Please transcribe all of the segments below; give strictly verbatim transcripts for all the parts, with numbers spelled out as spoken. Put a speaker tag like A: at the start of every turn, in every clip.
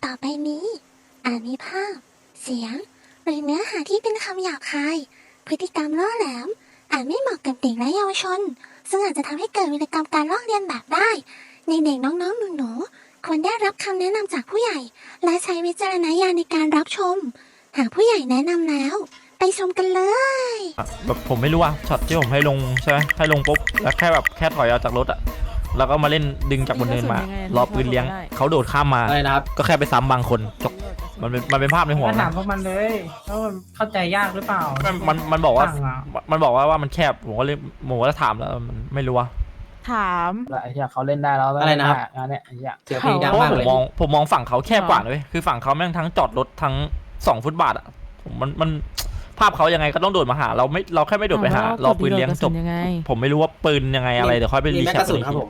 A: ต่อไปนี้อาจมีภาพ เสียง หรือเนื้อหาที่เป็นคำหยาบคาย พฤติกรรมล่อแหลม อาจไม่เหมาะกับเด็กและเยาวชน ซึ่งอาจจะทำให้เกิดวิกรรมการลอกเลียนแบบได้ ในเด็กน้องๆหนูๆควรได้รับคำแนะนำจากผู้ใหญ่ และใช้วิจารณญาณในการรับชม หากผู้ใหญ่แนะนำแล้ว ไปชมกันเลย
B: แบบผมไม่รู้ว่าช็อตที่ผมให้ลงใช่ไหมให้ลงปุ๊บแล้วแค่แบบแค่ถอยออกจากรถอะแล้วก็มาเล่นดึงจากบนเนินมารอปืนเลี้ยงเขาโดดข้ามมา
C: อะไรนะครับ
B: ก็แค่ไปซ้ำบางคนจบมันเป็นมันเป็นภาพในหัว
D: ก็ถา
B: นะ
D: มพวกมันเลยว่ามันเข้าใจยากหรือเปล่า
B: มันมันมันบอกว่า
D: ต่างอะ
B: มันบอกว่าว่ามันแคบผมก็เลยผมก็ถามแล้วมันไม่รู้ว่า
E: ถาม
D: แล้วไอ้เหี้ยเขาเล่นได้แล้ว
C: อะไรนะครับ
D: งานเนี้ยไอ้เหี้ย
C: เสียงเพลงดัง
B: เพราะ
C: มา
B: ว่าก ผม
C: เลย
B: มองผมมองฝั่งเขาแคบกว่าเลยคือฝั่งเขาแม่งทั้งจอดรถทั้งสองฟุตบาทอะผมมันมันภาพเขายังไงก็ต้องโดดมาหา เราไม่เราแค่ไม่โดดไปหา
E: ถมว่
B: เราปืนเลี้ยงจบ
E: กระสุนยังไง
B: ผมไม่รู้ว่าปืนยังไงอะไรเดี๋ยวค่อยไป
C: มี
B: รี
C: แม็ก
B: แคป
C: กระสุนครับผม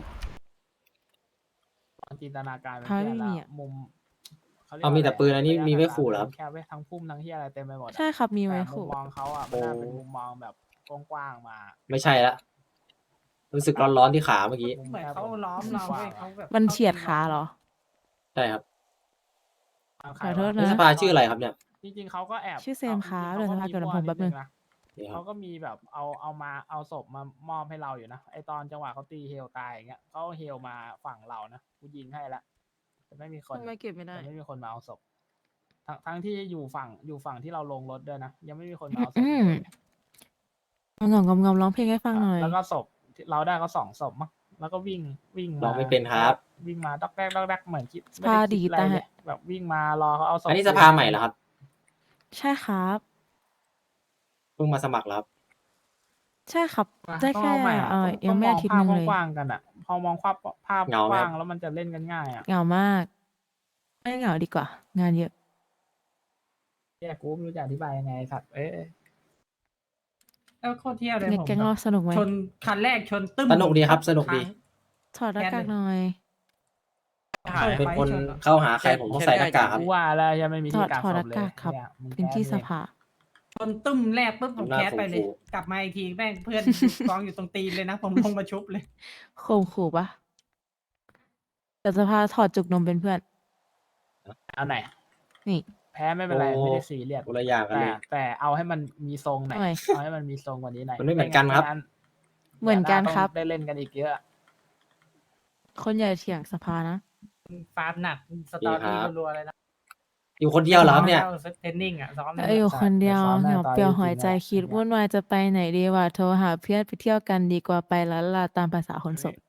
D: จินตนาการเป็น
E: เขาไม่
D: เหี้ย
E: มี
D: ละ
E: อะ
D: มุมขรียก
C: เอามีแต่ปืนอันนี้
D: ระยะ
C: มีไว้ขู่เหรอครับ
D: แคบไว้ทั้งพุ่มทั้งเหี้ยอะไรเต็มไปหมดอะ
E: ใช่ครับมีไว้
D: แต่มุ
E: ขู่
D: มมองเขาอ่ะมันน่าเป็นมุมมองแบบกว้างๆมา
C: ไม่ใช่ละรู้สึกร้อนๆที่ขาเมื่อกี้
D: เหมือนเขาล้อมเราเว้ยเขาแบบ
E: มันเฉียดขาเหรอ
C: ใช่ครับ
E: ขอโทษ
C: นี่
E: นะ
C: สภาชื่ออะไรครับเนี่ย
D: จริงๆเขาก็แอบ
E: ชื่อเซมครับ
D: จริงๆ
E: เดี๋ยวสภาเกิดผมแป๊บนึง
D: เขาก็มี
C: นี่ครั
D: เขา
C: บ
D: ก็มีแบบเอาเอามาเอาศพมามอบให้เราอยู่นะไอตอนจังหวะเขาตีเฮลตายอย่างเงี้ยเขาเอาเฮลมาฝั่งเรานะกูยิงให้ละแต่ไม่มีคน
E: ทำไมเก็บไม่ได้
D: แต่ไม่มีคนมาเอาศพทั้งทั้งที่อยู่ฝั่งอยู่ฝั่งที่เราลงรถด้วยนะยังไม่มีคนมาเอาศพ
E: อืม งอมงอมงอมร้องเพลงให้ฟังหน่อย
D: แล้วก็ศพที่เราได้ก็สองศพมั้งแล้วก็วิ่งวิ่งมา
C: ร้องไม่เป็นครับ
D: วิ่งมาดอกแรกดอกแรกเหมือนคิดไม่
E: พา
D: ได้
E: ดี
D: คิดอะไร
E: ตา
D: เลยแบบวิ่งมารอเขาเอาศพ
C: อันนี้สภาใหม่เหรอครับ
E: ใช่ครับ
C: เพิ่งมาสมัครแล้วครับ
E: ใช่ครับ
D: อ่ะ
E: ได้
D: ต้อง
E: แค่
D: เอาใหม่ะ
E: เออ
D: ต้
E: ยังไม่อาทิตย์หนึงเลย
D: ภาพกว้างๆกันอ่ะ พอมองภาพภาพ
C: เหงาไหม
D: กว้า
C: ครั
D: ง
C: บ
D: แล้วมันจะเล่นกันง่ายอ่ะ
E: เหงามาก ไม่เหงาดีกว่า งานเยอะ
D: แย่กูไม่รู้จะอธิบายยังไงสัตว์เอ้ยแล้วโคตรเที่ยวเลย
E: เน็ก
D: ผม
E: แก๊งเราสนุกไหม
D: ชนคันแรกชนตึ้ม
C: สนุกดีครับสนุกดี
E: ถอดหน้ากากหน่อย
C: เป็นคนเข้าหาใครผมต้องใส่หน้ากากครับ
D: กูว่าแล้วยังไม่มี
E: ถ
D: ที่
E: อด
D: กาง
E: ถอด
D: ศ
E: ห
D: พ
E: น้า
D: เลย
E: กากครับ
D: เนี่ยมึง
E: เป็นที่
D: แค้
E: ส
D: เลย
E: ภา
D: ชนตึ้มแรกปุ๊บผม
C: หน้า
D: แคสไปเลย
C: ขู่
D: กลับมาอีกทีแม่งเพื่อน กองอยู่ตรงตีนเลยนะ ผมลงมาชุบเลย
E: ข่มขู่ปะแต่สภาถอดจุกนมเป็นเพื่อน
D: เอาไหน
E: นี่
D: แพ้ไม่เป็นไร
C: โอ้
D: ไม่ได้ซีเรียส
C: คนละอย่างกัน
D: แต่
C: เลย
D: แต่เอาให้มันมีทรงหน่อย
E: ทำไม
D: เอาให้มันมีทรงกว่านี้หน่อย
C: มันไม่เหมือนกันครับ
D: ไงั้
E: เหมือนกันครับ
D: ได้เล่นกันอีกเยอะ
E: คนใหญ่เถียงสภานะ
D: ฟาร์มหนักสตอรี่รัวๆเลยนะ
C: อยู่คนเดียวเหรอครับเนี่ย
D: เทรนนิ่งอ่ะซ้อม
E: เอ้ยอยู่คนเดียว
D: ซ้อม
E: เห
D: ห
E: งา
D: ตอน
E: เปลี่ยว
D: จริงๆ
E: หัวใจ
D: อะ
E: คิดวุ่นวายจะไปไหนดีวะโทรหาเพื่อนไปเที่ยวกันดีกว่าไปแล้วล่ะตามภาษาคนโสด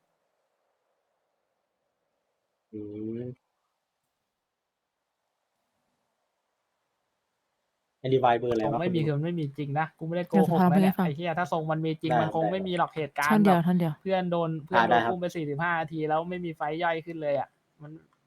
C: อืมไอดีไวเบอร์อะไร
D: ทรง
C: วะ
D: ไม่มี
C: คุณ
D: คือ
C: ดู
D: มันไม่มีจริงนะกูไม่ได้โก
E: เดี๋ยว
D: ห
E: ส
D: ก
E: ภา
D: นะ
E: ไม่
D: เนี่ย
E: ให้ฟัง
D: ไอ้เหี้ยถ้าทรงมันมีจริง
C: ได้
D: มันคง
C: ได้
D: ไม่มีหรอกเหตุการ
E: ท่อน
D: ณ์
E: เดี
D: แบ
E: ยว
D: บ
E: ท่อนเดียว
D: เพื่อนโดนเพื่อน
C: อ่า
D: โด
C: ได้
D: น
C: ครับ
D: อุ้มไปสี่สิบห้านาทีแล้วไม่มีไฟย่อยขึ้นเลยอ่ะมัน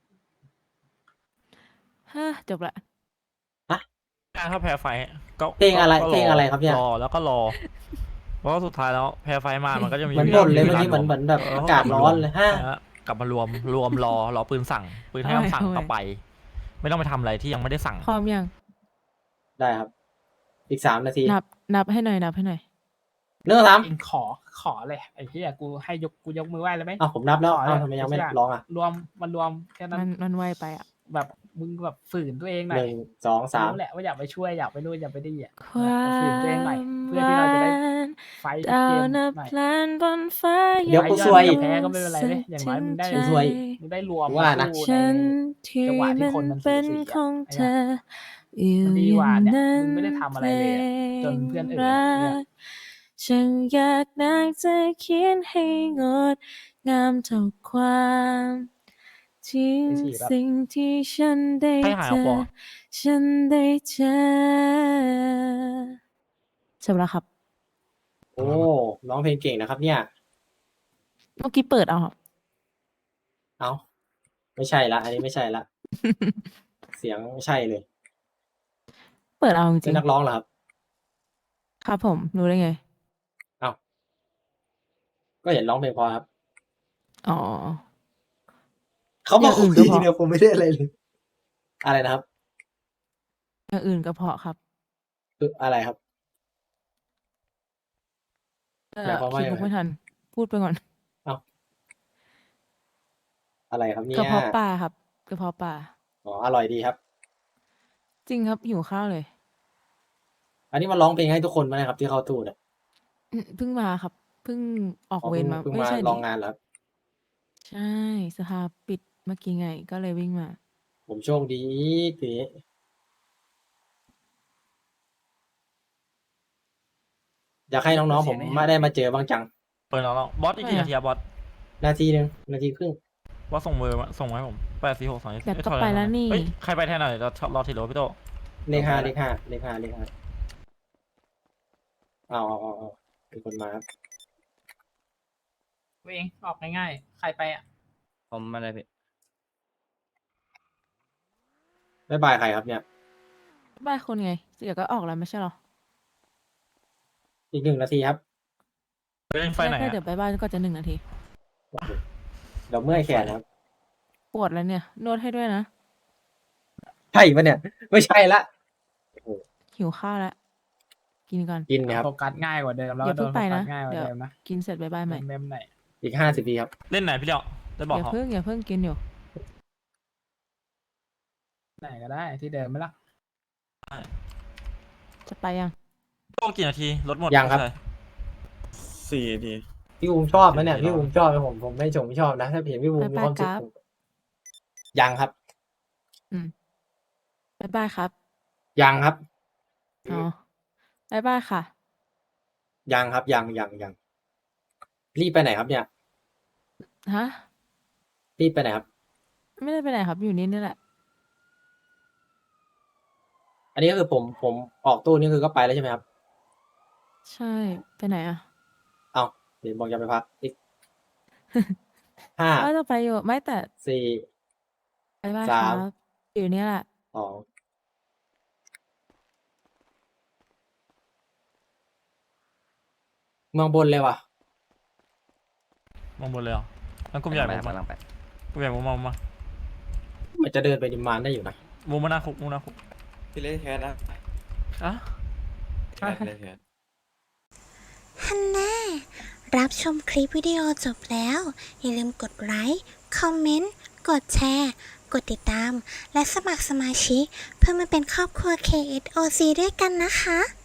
E: ฮะจบละ
B: ถ้าแพ้ไฟก็
C: เพลงอะไร
B: ก็
C: เพลงอะไรครับเนี่ย
B: รอแล้วก็รอเพราะว่าสุดท้ายแล้วแพ้ไฟมามันก็จะมี
C: เหมือนบ่นเลยเมื่อกี้เหมือนเหมือนแบบอากาศร้อนเลยฮะ
B: นะฮะกลับมารวมรวมรอรอปืนสั่งปืนให้คำสั่ง
E: เอาไว้
B: ต่อไป ไม่ต้องไปทำอะไรที่ยังไม่ได้สั่ง
E: พร้อมยัง
C: ได้ครับ อีกสามนาที
E: นับ นับให้หน่อย นับให้หน่อย
C: เรื่องสาม
D: เองขอขอเลยไอ้เหี้ยกูให้ยกกูยกมือไหว้เลยไหม
C: อ้าวผมนับแล้ว
D: ขอ
C: อ้าวทำไมยังไม่
D: เชื่
C: ร้องอ่ะ
D: รวมมันรวมแค่นั้น
E: มันมันไวไปอ่ะ
D: แบบมึงแบบฝืนตัวเองห
C: ห
D: น่อย
C: นึ่งสองสาม
D: รู้แหละว่าอยากไปช่วยอยากไปนู่นอยากไปนี่อ่ะ
E: ความ
D: ฝืนตัวเองหน่อยเพื่อที่เราจะได้ไฟท์ทุก
E: ดา
D: เก
E: ว
D: ม
E: นับ
D: หน่อย
E: พลันบนฟ้า
C: เดี๋ยว
D: ไฟ
C: กู
D: ท์
C: ซวย
D: อดแพ้ก็ไม่เป็นไรเว้ยอย่างน้อยมึงได้
C: กูซวย
D: มึงได้รวม
C: ว่านะ
D: สู้
E: ฉัน
D: ใน
E: ที่
D: จังหวะที่
E: มัน
D: คนมันสู
E: เป็น
D: สี
E: ของ
D: อะ
E: เธออยู่
D: มันดี
E: อก
D: ว่า
E: ย่าง
D: เนี่ย
E: นั้น
D: มึงไม่ได้ทำอะไรเลยอะจนเพื่อนอื่น
E: พล
D: อะ
E: ง
D: เนี่ย
E: รักฉันอยากนักจะเขียนให้งดงามเท่าความจริง
D: ไปฉี่แบบ
E: สิ่งที่ฉันได้
B: ให้หาย
E: เจ
B: ออก
E: อ
B: บ่
E: ฉันได้เจอจบแล้วครับ
C: โอ้ร้องเพลงเก่งนะครับ เนี่ย
E: เมื่อกี้เปิดเอาครับ
C: เอ้าไม่ใช่ละ อันนี้ไม่ใช่ละ เสียงไม่ใช่เลย
E: เปิดเอาจ
C: เป็
E: ริ
C: น
E: ง
C: นักร้องเหรอครับ
E: ๆครับผมรู้ได้ไง
C: เอ้าก็เห็นร้องเพลงพอครับ
E: อ๋อ
C: เขาบอก
E: อย่างอื่นก็พอ
C: เดียวผมไม่ได้อะไรเลย อะไรนะครับ
E: อย่างอื่นก็เพาะครับ
C: คืออะไรครับ
E: เออ
C: หมายความว่า
E: คิด
C: ยังไง
E: ไม่ทัน พูดไปก่อน
C: อะไรครับเนี่
E: กระ
C: ย
E: เพาะปลาครับกระเพาะปลา
C: อ๋ออร่อยดีครับ
E: จริงครับหิวข้าวเลย
C: อันนี้มาร้องเพลงให้ทุกคนไหมครับที่เข้าตู้เนี่ย
E: อืมเพิ่งมาครับเพิ่งออก
C: อ๋อ
E: เว
C: เพิ่
E: รง มา
C: เพิ่ง
E: ไม่
C: มา
E: ใช่
C: ล
E: ดิ
C: องงานเหรอครับ
E: ใช่สภาปิดเมื่อกี้ไงก็เลยวิ่งมา
C: ผมโชคดีทีนี้อยากให้น้องๆผมไม่ได้มาเจอบ้างจัง
B: เปิดแล้วบอสอีกกี่นาทีอะบอส
C: นาทีหนึ่งนาทีครึ่ง
B: บอสส่งมือมาส่งมาให้ผมแปดสี่หกสอง
E: เดี๋ยวก็ไปแล้วนี่
B: เฮ้ยใครไปแทนหน่อยเรารอทีโรพี่โต
C: เลขห้าเลขห้าเลขห้าเลขห้าเอาเอาเอาเอาเป็นคนมาครับ
D: เองออกง่ายๆ ใครไปอ่ะ
F: ผมมาเลยพี่
C: บ๊ายบายใครครับเนี่ย
E: บ้านคนไงเดี๋ยวก็ออกแล้วไม่ใช่หรอ
C: อีกหนึ่งนาทีครับ
B: ไปเล่นไฟไหน
E: แค่
B: อะ
E: เดี๋ยวไปบ้านก็จะหนึ่งนาที
C: เดี๋ยวเมื่อยแขนครับ
E: ปวดแล้วเนี่ยนวดให้ด้วยนะ
C: ใช่ปะเนี่ย ไม่ใช่ละ
E: หิวข้าวแล้วกินก่อน
C: กินนะครับ
D: โฟกัสง่ายกว่าเดิมแล้ว
E: อย่า
D: ก็โด
E: เพิ่ง
D: นโฟ
E: ไป
D: กั
E: นะ
D: สง่ายกว่า
E: เดี๋ยว
D: เดิมนะ
E: กินเสร็จบายบายใหม่
D: เมมไหน
C: อีกห้าสิบวิครับ
B: เล่นไหนพี่เลี้ยวได้บอก
E: อย่า
B: เขา
E: เพิ่งอย่าเพิ่งกินอยู่
D: ไหนก็ได้ที่เดิมไหมล่ะ
E: จะไปยัง
B: โตกี่นาทีรถหมด
C: ยังครับ
B: ใช่
F: สี่นาที
C: พี่บูมชอบไหมเนี่ย
B: ไม่
C: พี่
B: รอ
C: บูมชอบไหมผมผมไม่ชมไม่ชอบนะ ถ้าเห็นพี่บูมมีความสุข
E: บ๊ายบายครับ
C: ผมยังครับ
E: บายบายครับ
C: ยังครับ
E: อ๋อบายบายค่ะ
C: ยังครับยังยังยังรีบไปไหนครับเนี่ย
E: ฮะ
C: รีบไปไหนครับ
E: ไม่ได้ไปไหนครับอยู่นี่นี่แหละ
C: อันนี้ก็คือผมผมออกตู้นี่คือก็ไปแล้วใช่ไหมครับ
E: ใช่ไปไหนอ่ะ
C: เอาเดี๋ยวบอกจะไปพักอีก ห้า
E: ว่าจะไปอยู่ไม่แต่
C: สี่
E: บายบาย
C: สา
E: ครั
C: ม
E: บอยู่นี่แหละ
C: สองเมืองบนเลยว่ะ
B: มองบนเลยเหรอแล้วกลุ่มใหญ่
F: ไป
B: มุม
F: กำ
B: มา
F: ลังไป
B: กลุ่มใหญ่มุมมามุมมา
C: มันจะเดินไปดิมมานได้อยู่นะ
B: มุมมาหน้าคุกมุมหน้าคุก
F: พี่เล่นแคสนะ
B: อ่ะ
F: แคสเล่นแคส
A: ฮันน่ารับชมคลิปวิดีโอจบแล้ว อย่าลืมกดไลค์ คอมเมนต์ กดแชร์ กดติดตาม และสมัครสมาชิก เพื่อมาเป็นครอบครัว เค เอส โอ ซี ด้วยกันนะคะ